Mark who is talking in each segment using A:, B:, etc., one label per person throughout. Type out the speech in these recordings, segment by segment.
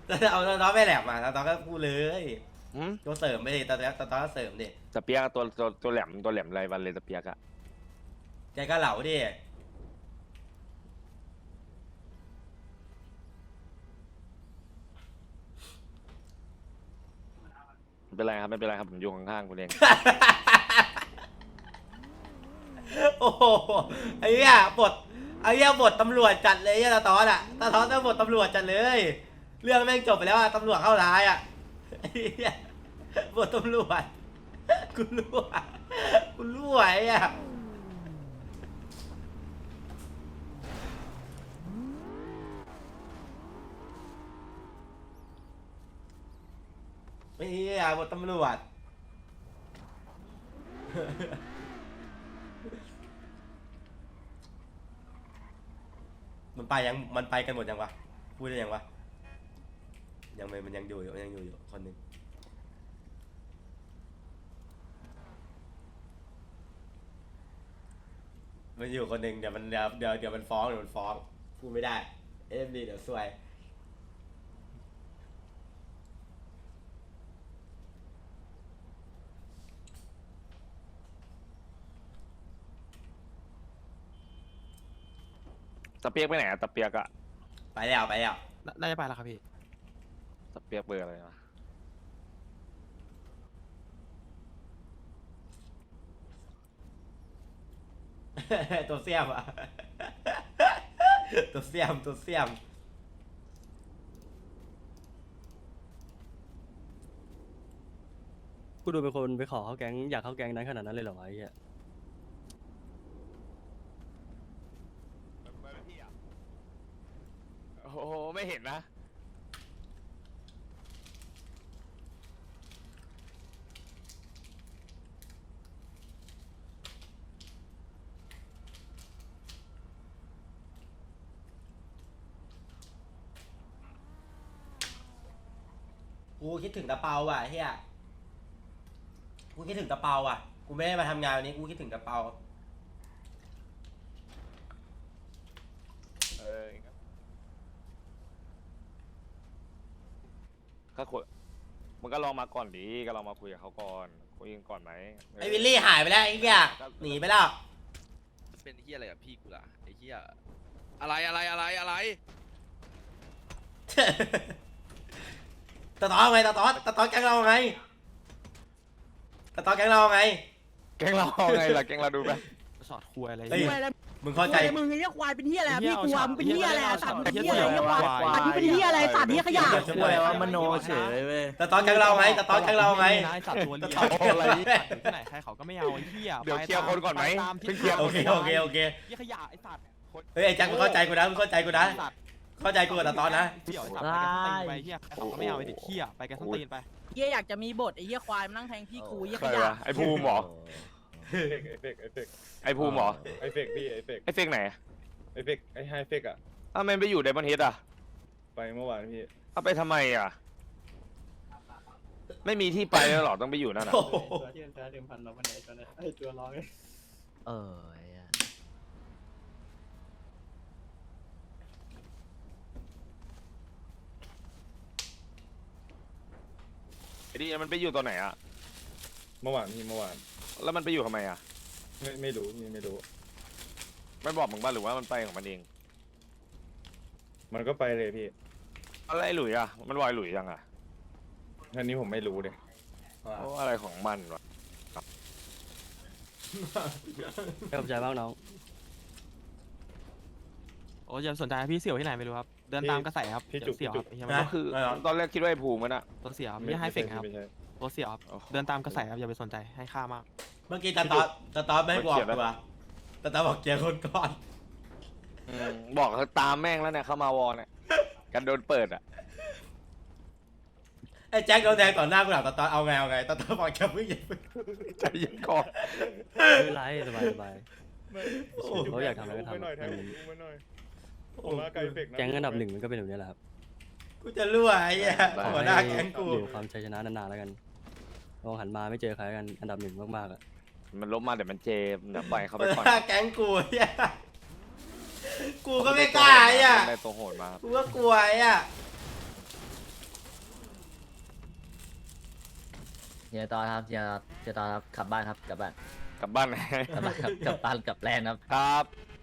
A: แต่เอาตอนไม่แหลมมาตอนก็พูดเลย
B: อืม
A: ตัวเสริมไปดิตอนก็เสริมดิ
B: ตะเปียกตัวแหลมไรวันเลยตะเปียกอะ
A: ใจก็เหลาดิ
B: ไม่เป็นไรครับไม่เป็นไรครับผมอยู่ข้างๆคุณเอง
A: โอ้โหไอ้เหี้ยบทตำรวจจัดเลยไอ้ตาตอนอ่ะตาตอนต้องบทตำรวจจัดเลย เรื่องแม่งจบไปแล้วอ่ะตำรวจเข้าร้ายอ่ะไอ้เหี้ยบทตำรวจกูรั่วไอ้อ่ะไอ้เหี้ยบทตำรวจ มันไปกันหมดยังวะพูดได้ยังวะยังไม่มันยังอยู่คนหนึ่งมันอยู่คนหนึ่งเดี๋ยวมันฟ้องพูดไม่ได้เอ็มดีเดี๋ยวซวย
B: ตะเปียกไปไหนอะตะเปียกอะ
A: ไปแล้ว
C: น่าจะไปแล้วครับพี่
B: ตะเปียกเบอร์อะไรนะ
A: ตัวเสียมอ่ะ ตัวเสียม
D: กูดูเป็นคนไปขอเข้าแก๊งอยากเข้าแก๊งนั้นขนาดนั้นเลยเหรอวะไอ้เหี้ย
B: โอ้โหไม่เห็นนะ
A: กูคิดถึงตะเปาอ่ะเฮียกูคิดถึงตะเปาอ่ะกูไม่ได้มาทำงานวันนี้กูคิดถึงตะเปา
B: เออก็คุยมันก็ลองมาก่อนดีก็ลองมาคุยกับเขาก่อนคุยกันก่อนไหม
A: ไอ้วิลลี่หายไปแล้วไอ้เหี้ยหนีไปแล้ว
E: เป็นเฮียอะไรกับพี่กูล่ะไอ้เฮียอะไร
A: ตะตอไงตะตอแก๊งเราไงตะตอแก๊งเราไง
B: แกงเราไงล่ะแกงเราดูไป
C: สอดคุยอะไร
A: เฮ้ย
C: เหี้ย
A: มึงเข้าใจ
F: มึงไอ้เหี้ยควายเป็นเหี้ยอะไรอะ
C: เหี้ย
F: พี่กลัว
C: เอา
F: มึงเป็นเหี้ยอะไรอะสัตว์มึงเป็นเหี้ยอะไร
C: เหี้ย
F: เหี้ยควาย
C: ควาย
F: สัตว์นี่เป็นเหี้ยอะไรสัตว์นี่ขยะ
A: ช่วยว่ามโนเฉยเว้ยตะตอแก๊งเราไงตะตอแก๊งเราไง
C: นายสัตว์ตัวเลี้ย
A: ตะตอ
C: ง
A: อะไร
C: สัตว์อยู่ที่ไหนใครเขาก็ไม่เอาไอ้เหี้ย
B: เดี๋ยวเคลียร์คนก่อนไหม
C: ไปตาม
B: เพิ่งเคลียร์
A: โอเค
C: เหี้ยขยะไอ้สัตว์
A: เฮ้ยไอ้แจ็คมึงเข้าใจกูนะเข้าใจกูกับตะตอนะ
C: เดี๋ยวไอ้สัตว์ไปกันส้นตีนไปเหี้ยใครเขาก็ไม่เอาไอ้เด็กเหี้ยไปกันส้นตีนไป
F: เหี้ยอยากจะมีบทไอ้เหี้ยควายมานั่งแทงพี่กูเหี้ย
B: ใค
F: ข
B: ร
F: ยะ
B: วะไอ้ภูมิเหรอ ไอ้ภูมิเหรอ
G: ไอเฟกพี่ไอเฟก
B: ไอ้เฟกไหน
G: ไอเฟกไอไฮเฟกอะ
B: อ้าวมันไปอยู่ไดมอนด์เฮดอ่ะ
G: ไปเมื่อวานพี่
B: เอาไปทำไมอ่ะไม่มีที่ไปแล้วหรอต้องไปอยู่นั่นอ่ะ
A: โอ้โห
D: ตัวที่เป็นเดิมพันเราวันไหนตัวนั้นไอ้ตัวร้อย
H: เออไอ้อะ
B: ไอ้ดิมันไปอยู่ตัวไหนอ่ะ
G: เมื่อวานพี่เมื่อวาน
B: แล้วมันไปอยู่ทำไมอ่ะ
G: ไม่รู้พี่ไม่รู้
B: ไม่บอกมึงบ้างหรือว่ามันไปของมันเอง
G: มันก็ไปเลยพี่
B: อะไรหลุยอ่ะมันวายหลุยยังอ่ะ
G: อันนี้ผมไม่รู้เลย
B: เพราะอะไรของมันวะ
D: ขอบใจมากน้อง
C: โอ้ยอย่าสนใจพี่เสี่ยวที่ไหนไม่รู้ครับเดินตามกระแสครับเดี๋ยวเสี่ยวครับไอ้เหี้ยมัน
B: ก็คือตอนแรกคิดว่าไอ้ภูมิมันอ่ะ
C: ตัวเสี่ยวครับไม่ให้เฟกครับ
G: ไม่ใช่
C: ตัวเสี่ยวครับ
B: โอ้โห
C: เดินตามกระแสครับอย่าไปสนใจให้ค่ามาก
A: เมื่อกี้ตะตอไม่ให้บอกกูอะตะตอบอกเกียร์คนก่อน
B: บอกเขาตามแม่งแล้วเนี่ยเข้ามาวอลเนี่ยกันโดนเปิดอ่ะ
A: ไอ้แจ็คโดนแทงต่อหน้ากูหลังตะตอเอาไงตะตอบอกจะไม่ยิง
B: ใจเย็นก่อน
D: ไม่เป็นไรสบายเขาอยากทำอะไรก็ทำ
G: ไม่หน่อยแทนผมไม่หน่อยผมมาไกลเฟกนะ
D: แก๊งอันดับหนึ่งมันก็เป็นแบบนี้แหละครับ
A: กูจะรั่วไอ้เหี้ยหัวหน้าแก๊งกู
D: อยู่ความชัยชนะนานๆแล้วกันลองหันมาไม่เจอใครกันอันดับหนึ่งมากๆอะ
B: มันล้มมาเดี๋ยวมันเจมเดี๋ยวปล่อยเขาไป
A: หัว
B: ก่อน
A: หน้าแก๊งกูไอ้เหี้ยกูก็ไม่กล้าไอ้เหี้ย
B: ได้ตัวโหดมา
A: กูก็กลัวไอ้เหี้ย
H: เฮียตอนครับเฮียตอนครับกลับบ้านครับกลับบ้าน
B: กลับบ้านไหน
H: กลับบ้านครับกลับบ้านกลับแลนด์ครับ
B: ครับ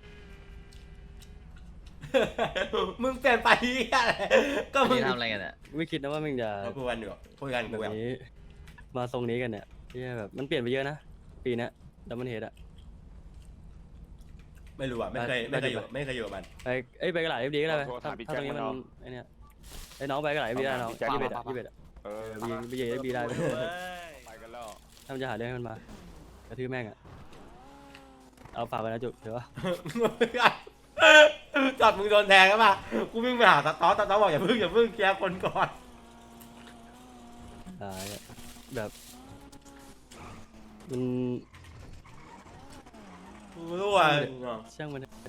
A: มึงเปลี่ยนไปเหี้ยอะไรก็มึง
H: นี่ทำอะไรกันอ่ะ
D: ไม่คิดนะว่ามึงจะ
A: คุยกันอยู่คุยกัน
D: แบ
A: กู
D: บ
A: ยัง
D: นี้มาทรงนี้กันเนี่ยที่แบบมันเปลี่ยนไปเยอะนะปีเนี้ยดับเบิลเฮดอะ
A: ไม่รู้อ่ะไม่เคยอยู่กับมัน
D: ไปกระดาษเอฟดีก็ได้ไหม
B: โทร
D: ถ้า
B: ถามพี่
D: ถ้าตรงนี้มัน
B: แจ็คมัน
D: ไอเนี้ยไอ้น้องไปกระดาษเอฟดีได้น้อง
B: พี่แจ็ค
D: ยี่สิบเอ็ดอะยี่สิบเอ็ดอะ
B: เออ
D: บีเอฟดีได้
B: ไปกันแล้ว
D: ถ้ามันจะหาเรื่องให้มันมากระทืบแม่งอะเอาฝากไปนะจุ๊บเดี๋ยว
A: จัดมึงโดนแทงแล้วป่ะกูวิ่งไปหาตาต๊อบอกอย่าเพิ่งเคลียร์คนก่อน
D: ตายอะแบบมัน
A: กูรู้ว่า
D: ช่างมันนะ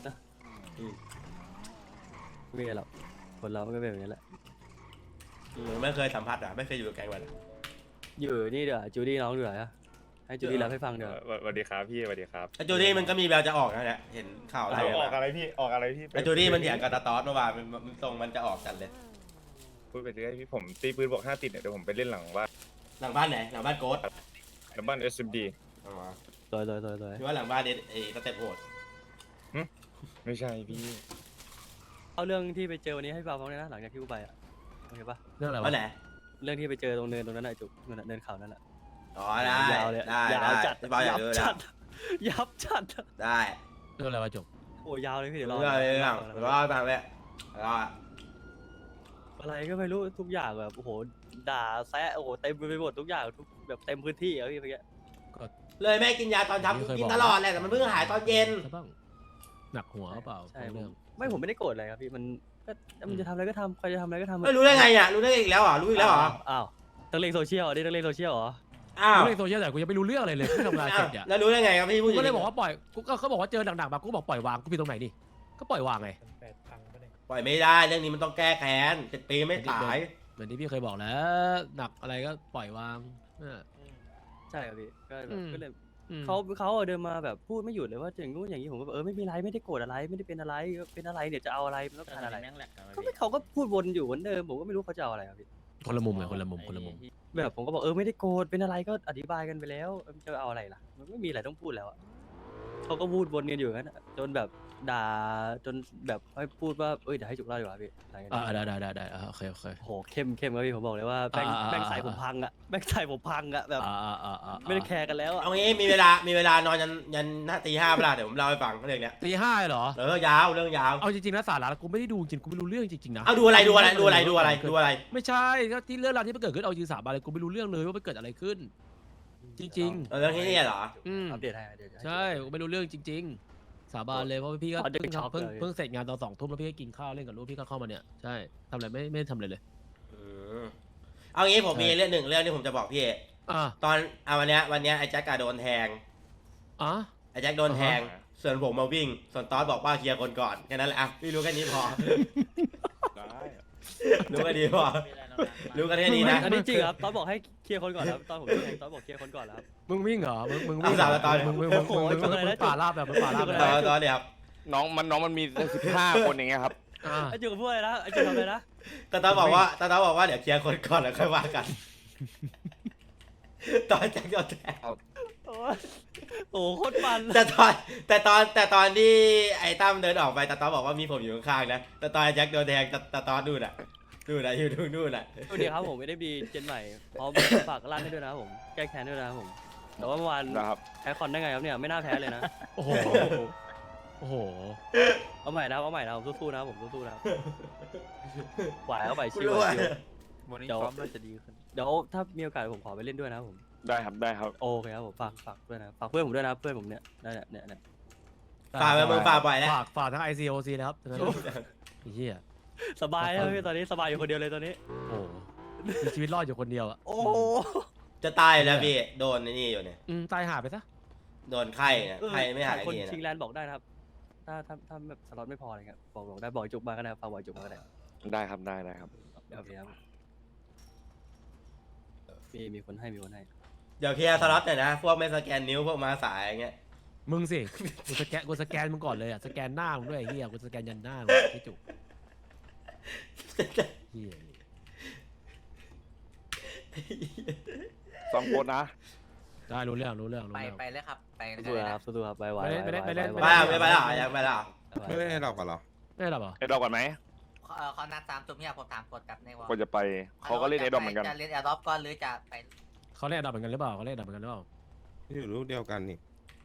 D: ไม่เป็นไรหรอกคนเรามันก็เป็นแบบนี้แหละ
A: ไม่เคยสัมผัสอ่ะไม่เคยอยู่กับแก๊งมัน
D: อยู่นี่เดี๋ยวจูดี้น้องดูหน่อยอะให้จูดี้รับให้ฟังเดี๋ยว
G: สวัสดีครับพี่สวัสดีครับ
A: ไอจูดี้มันก็มีแววจะออกนะเนี่ยเห็นข่าวอะไร
G: ออกอะไรพี่ออกอะไรพี่
A: ไอจูดี้มันเถียงกับตาต๊อเมื่อวานมันตรงมันจะออกกันเลย
G: พูดไปเรื่อยพี่ผมตีปืนบอก5 ติดเนี่ยเดี๋ยวผมไปเล่นหลังบ้าน
A: หลังบ้านไหนหลังบ้านโกด
G: หลังบ้าน SMD
D: ตัว
A: หรือว่าหลังบ้านไอ้สเต็ปโหด
G: ไม่ใช่พี่
D: เอาเรื่องที่ไปเจอวันนี้ให้ฟังเลยนะหลังจากที่กูไปอะโอเคปะ
C: เรื่องอะไร
A: ว่า
C: วะ
A: ไหน
D: เรื่องที่ไปเจอตรงเนินตรงนั้นน่ะจุ๊บเนินเขานั่นแหละ
A: อ๋อได้
D: ยาวเลย
A: ได้
D: ยาวจัด
A: พี่บอลอยากดู
D: จั
A: แล้ว
D: ดยับจัด
A: ได้
C: เรื่องอะไรวะจบ
D: โอ้ยาวเลยพี่เดี๋ยวรอ
A: เรื่องรอตามเลยรอ
D: อะไรก็ไม่รู้ทุกอย่างแบบโอ้โหด่าแซะโอ้โหเต็มไปหมดทุกอย่างทุกแบบเต็มพื้นที่อะพี่เมื่อกี้
A: เลยแม่กินยาตอนเช้ากูกินตลอดแหละแต่มันเพิ่งหายตอนเย็น
C: ใช่บ้างหนักหัวเปล่า
D: ใช่ผ
C: เรื่อ
D: ม
C: ง
D: ไม่ผมไม่ได้โกรธอะไรครับพี่มันก็มันจะทำอะไรก็ทำใครจะทำอะไรก็ทำ
A: ไม่รู้ได้ไงอ่ะรู้ได้อีกแล้วเหรอรู้อีกแล้วเหรอ
D: อ้าวต้องเล่นโซเชียลดิต้องเล่นโซเชียลเหรอ
A: อ้าว
C: กูเล่นโซเชียลแต่กูยังไม่รู้เรื่องอะไรเลยที่ทำงานเสร็จเนี่ย
A: แล้วรู้ได้ไงครับพี่
C: กู
A: ผู้หญิง
C: ก็เลยบอกว่าปล่อยกูก็เขาบอกว่าเจอหนักๆแบบกูก็บอกปล่อยวางกูผิดตรงไหนนี่ก็ปล่อยวางไง
A: ปล่อยไม่ได้เรื่องนี้มันต้องแก้แค้น7 ปีไม่ตาย
C: เหมือนที่พี่เคยบอกแล้วหนักอะไรก็ปล่อยวาง
D: ใช่ครับพี่ก็แบ
C: อื
D: บ
C: ม
D: ก็เลย
C: อืม
D: เขาเดินมาแบบพูดไม่หยุดเลยว่าอย่างงู้นอย่างนี้ผมก็แบบไม่มีไรไม่ได้โกรธอะไรไม่ได้เป็นอะไรเป็นอะไรเนี่ยจะเอาอะไรมันต้องการอะไรเขาก็พูดวนอยู่เหมือนเดิมผมก็ไม่รู้เขาจะเอาอะไรครับพี่
C: คนละมุมไงคนละมุมคนละมุม
D: แบบผมก็บอกไม่ได้โกรธเป็นอะไรก็อธิบายกันไปแล้วมันจะเอาอะไรล่ะมันไม่มีอะไรต้องพูดแล้วอะเขาก็พูดวนกันอยู่งั้นอะจนแบบด่าจนแบบให้พูดว่าเดี๋ยวให้จุกเล่าดีกว่าพี่อะไรกัน
C: ได้โอเค
D: โหเข้มครับพี่ผมบอกเลยว่าแม่งใส่ผมพังอะแม่งใส่ผมพังอะแบบไม่ได้แคร์กันแล้วอะ
A: เอางี้มีเวลานอนยันหน้าตี 5เวลาเดี๋ยวผมเล่าให้ฟังเรื่องเนี้ย
C: ตีห้าเหรอ
A: ยาวเรื่องยาว
C: เอาจริงๆนะสาระกูไม่ได้ดูจริงกูไม่รู้เรื่องจริงๆนะ
A: เอาดูอะไร
C: ไม่ใช่ก็ที่เรื่องราวที่มันเกิดขึ้นเอาจริงสาบานเลยกูไม่รู้เรื่องเลยว่ามันเกิดอะไรขึ้น จริง
A: เรื่องที่นี่เหรอ
C: ๆ
D: อัปเดตให้เดี๋ยว
C: ใช่กูไม่รู้เรื่องจริง ๆ สาบานเลยเพราะว่าพี่ก็
D: อ๋อเด็กช็อกเลย
C: เพิ่งเสร็จงานตอน2 ทุ่มแล้วพี่ก็กินข้าวเล่นกับลูกพี่ก็เข้ามาเนี่ยใช่ทำอะไรไม่ทำอะไรเลย
A: เอางี้ผมมีเรื่องหนึ่งเรื่องที่ผมจะบอกพี่
C: อ่ะ
A: ตอนวันเนี้ยไอ้แจ็คกาโดนแทง
C: อ่ะ
A: ไอ้แจ็คโดนแทงส่วนผมมาวิ่งส่วนตอสบอกว่าเคลียร์คนก่อนแค่นั้นแหละอ่ะพี่รู้แค่นี้พอ
G: ได้
A: รู้แค่นี้พอรู้กันแค่นี้นะ
D: อันนี้จริงครับตอนบอกให้เคลียร์คนก่อนครับตอนผมแทงตอนบอกเคลียร์คนก่อนแล้วครับ
C: มึงวิ่งเหรอมึง
A: เอา
C: วิ่ง
A: สาวตอน
C: มึงป่าลาบแบบป่าลาบ
A: ตอนเนี่ยครับ
B: น้องมันมี15 คนอย่างเงี้ยครับ
D: ไอ้จุกพูดอะไรนะไอ้จุกทำอะไรนะ
A: ตอนบอกว่าเดี๋ยวเคลียร์คนก่อนแล้วค่อยว่ากันตอนแจ็คโดนแทง
D: โอ้โคตรมัน
A: แต่ตอนที่ไอ้ตั้มเดินออกไปตาตอบอกว่ามีผมอยู่ข้างๆนะแต่ตอนไอ้แจ็คโดนแทงตาตอดูน่ะอยู่ตรงนู่นน่ะ
D: สวัสดีครับผมไม่ได้บีเจนใหม่พร้อมฝากร้านให้ด้วยนะครับผมแก้แค้นด้วยนะครับผมแต่ว่าเมื่อวาน
B: นะครับ
D: แพ้คอนได้ไงครับเนี่ยไม่น่าแพ้เลยนะ
C: โอ้โห
D: เอาใหม่นะครับผมสู้ๆนะครับผมสู้ๆนะครับไหวเข้าไป
A: กู
D: ชิว
A: รู้ว่า
H: วันนี้
D: เดี๋ยว
H: พร้อมน่าจะดีขึ้น
D: เดี๋ยวถ้ามีโอกาสผมขอไปเล่นด้วยนะครับผม
B: ได้ครับ
D: โอเคครับผมฝากด้วยนะฝากเพื่อนผมด้วยนะเพื่อนผมเนี่ยนั่นแหละเนี่ย
A: ฝากไปมึงฝากบ่อยแล้ว
C: ฝากทั้ง ICOC นะครับไอ้เหี้ย
D: สบายแล้วพี่ตอนนี้สบายอยู่คนเดียวเลยตอนนี้
C: โอ้มีชีวิตรอดอยู่คนเดียวอ่ะ
D: โอ้
A: จะตายแล้วพี่โดนนี่อยู่เนี่ย
C: ตายหาไปซะ
A: โดนไข้เนี่ยไข้ไม่หาย
D: คน
A: ที
D: ชิง
A: นะ
D: แลนด์บอกได้นะครับถ้าแบบสล็อตไม่พออะไรเงี้ยบอกได้บอกจุกมาก็ได้ฝากบอกจุกมาก็ได้
B: ได้ครับได้ครับ
D: โอเคครับมีคนให้
A: เดี๋ยวเคลียร์สล็อตหน่อยนะพวกไม่สแกนนิ้วพวกมาสายอย่างเงี้ย
C: มึงสิกูสแกนมึงก่อนเลยอ่ะสแกนหน้ามึงด้วยไอ้เหี้ยกูสแกนยันหน้ามึงพี่จุกเหี้ย
B: ซ้อมโคตรนะ
C: ได้รู้เรื่องรู้เรื่องรู้
H: ไป
C: เรื่อง
H: ไปเลยครับไป
D: สู้ๆครับสู้ๆครับไว้
C: ไปเล่นไปเล่น
A: ไปอ่ะไม่ไปแล้วยังไปแล้ว
I: ไม่ได้ให้เราก่อนเหรอ
C: ไม่ได้หรอเปล่า
B: ไอ้ดอกก่อนไหม
H: เขานัด3 ทุ่มเนี่ยผมถามกดกับในวอล
B: ก็จะไปเขาก็เล่นไอ้ดอกเหมือนกัน
H: จะเล่นแอร์ดรอปก่อนหรือจะไป
C: เขาเล่นอันดับเหมือนกันหรือเปล่าเขาเล่นอันดับเหมือนกันหรือเปล่า
I: อยู่รูปเดียวกันนี่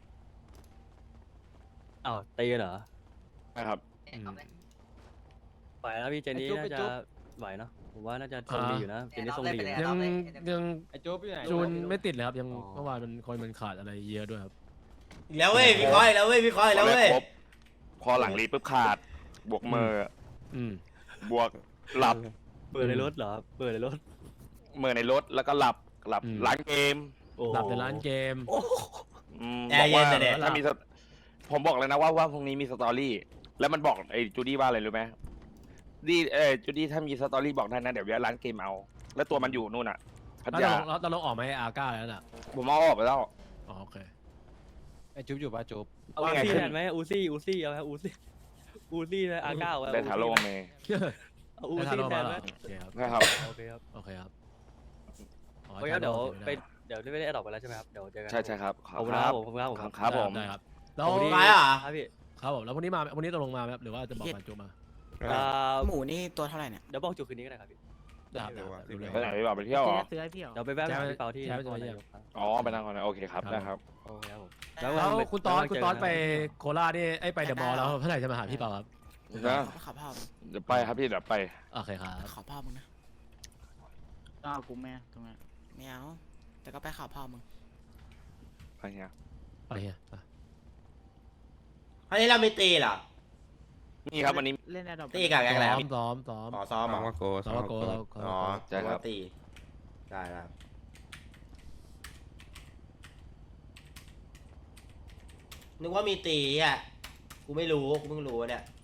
D: อ้าวตีกันเหรอ
B: นะครับ
H: เอาไหม
D: ไหวนะพี่เจนนี่น่าจะไหวเนาะผมว่าน่าจะทรงดีอยู่นะเจนนี่ทรงดีอยู่นะ
C: ยัง
H: ไอ้โจ๊บอยู่ไหน
C: จูนไม่ติดเลยครับยังเมื่อวานมันคอยมันขาดอะไรเยอะด้วยครับ
A: อีกแล้วเว้ยพี่คอยแล้วเว้ยพี่คอยแล้วเว้ย
B: ครบพอหลังรีปุ๊บขาด บวกมือ
C: อืม
B: บวกหลับ
D: เปิดในรถเหรอเปิดในรถ
B: มือในรถแล้วก็หลับร้านเกม
D: โอ้
C: หลับในร้านเกม
A: แอร์เย็นแต่เด็ด
B: ถ้ามีผมบอกเลยนะว่าพรุ่งนี้มีสตอรี่ แล้วมันบอกไอ้จูดี้ว่าอะไรรู้ไหมจูดี้ถ้ามีสตอรี่บอกได้นะเดี๋ยวร้านเกมเอา แล้วตัวมันอยู่นู่นอ่ะพัท
C: แล้ว
B: ยา
C: เราลงออกไหมอาก้าแล้วน่ะ
B: ผมเอาออกไปแล้ว
C: อ๋อโอเค
H: ไอ้จุ๊บอยู่ปะจุ๊บ
D: เอา
B: ว่า
D: อู
B: ไง
D: ซี่
B: ขึ้น
D: แทนไหมอูซี่เอาไหมอูซี่นะอาก้า
B: ได้ถาโลเมย์
D: เอาอูซี่แทนไหม
C: โอเคครับ
B: นะครับ
D: โอเคครับ
C: โอเคครับอ๋อ
D: โอเคครับเดี๋ยวไปเดี๋ยวไม่ได้ออกไปแล้วใช่ไหมครับเดี๋ยวเจอกัน
B: ใช่ครับ
D: ขอบคุณครับผมขอบคุณครับผม
B: ครับผม
C: ได้ครับแล้ว
D: ขอบคุณที่
A: ไปอ่ะ
D: ครับพี่
C: ครับผมแล้ววันนี้มาวันนี้ตกลงมาไหมครับหรือว่าจะบอกการจูมา
F: หมูนี่ตัวเท่าไหร่เนี่ย
D: เดี๋ยวบอกจุดคืนนี้ก็ได้ครับพี่
C: ได้ครับรู้เรื่อง
B: ไปไหนดีกว่าไปเที่ยวเหรอ
F: ซื้อให้พี่เหรอ
D: เดี๋ยวไปแวะหาพี่เปาที่
C: ใช่
D: นคร
C: ใช่
D: นายกครับ
B: อ๋อไปนั่งก่อนนะโอเคครับได้ครับ
D: โอเคครับผม
C: แล้วคุณตอสไปโคราชนี่ไปเดอะมอลล์แล้วเมื่อไหร่จะมาหาพี่เปาครับ
B: นะ
F: ขอพ่อมึง
B: เดี๋ยวไปครับพี่เดี๋ยวไป
C: โอเคครับ
F: ขอพ่อมึงนะต้องเอากูแม่ตรงนั้นไม่เอาแต่ก็ไปขอพ่อมึง
B: ไปเนี่ย
C: ไปเฮียไป
A: อันนี้เราไม่ตีเหรอ
B: นี่ครับวันนี้
F: เล่นแอดดอป
A: ตีกับแกงแล้ว
C: ซ้อม
A: อ๋อซ้อม
I: ม
A: เหร
I: อง
A: อ
I: ว่าโก
C: ซ้อมว่าโกเรา
A: อ๋อ
B: ใช่ครับ
A: ตีได้ครับนึกว่ามีตีอ่ะกูไม่รู้กูเพิ่งรู้เนี่ย